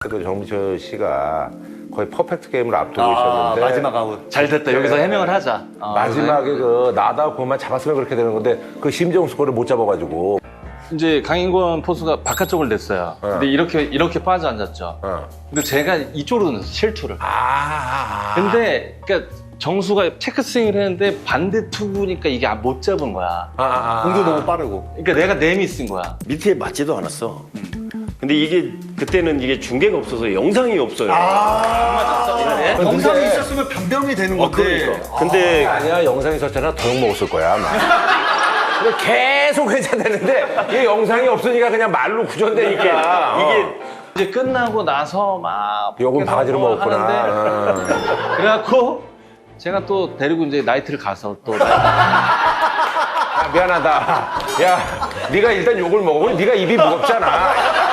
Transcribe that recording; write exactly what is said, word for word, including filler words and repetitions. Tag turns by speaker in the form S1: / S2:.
S1: 그 정민철 씨가 거의 퍼펙트 게임을 앞두고
S2: 아,
S1: 있었는데
S2: 마지막 아웃.
S3: 잘 됐다. 여기서 해명을 하자. 어,
S1: 마지막에 그 나다 그만 잡았으면 그렇게 되는 건데 그 심정수 거를 못 잡아가지고
S3: 이제 강인권 포수가 바깥쪽을 냈어요.
S1: 어.
S3: 근데 이렇게 이렇게 빠져 앉았죠.
S1: 어.
S3: 근데 제가 이쪽으로 넣었어요. 실투를.
S1: 아, 아, 아.
S3: 근데 그러니까 정수가 체크 스윙을 했는데 반대 투구니까 이게 못 잡은 거야.
S1: 아, 아, 아.
S2: 공도 너무 빠르고.
S3: 그러니까 내가 내미 쓴 거야.
S4: 밑에 맞지도 않았어. 근데 이게 그때는 이게 중계가 없어서 영상이 없어요.
S3: 네?
S2: 영상이 있었으면 변병이 되는
S4: 어,
S2: 건데.
S4: 그러니까. 근데
S1: 아니야 영상이 있었잖아 더 욕먹었을 거야 아마. 근데 계속 회자되는데 이게 영상이 없으니까 그냥 말로 구전되니까 이게
S3: 이제 끝나고 나서 막
S1: 욕은
S3: 밖에서
S1: 바가지로
S3: 뭐
S1: 먹었구나.
S3: 하는데
S1: 어.
S3: 그래갖고 제가 또 데리고 이제 나이트를 가서 또
S1: 야, 미안하다. 야, 네가 일단 욕을 먹으면 네가 입이 무겁잖아.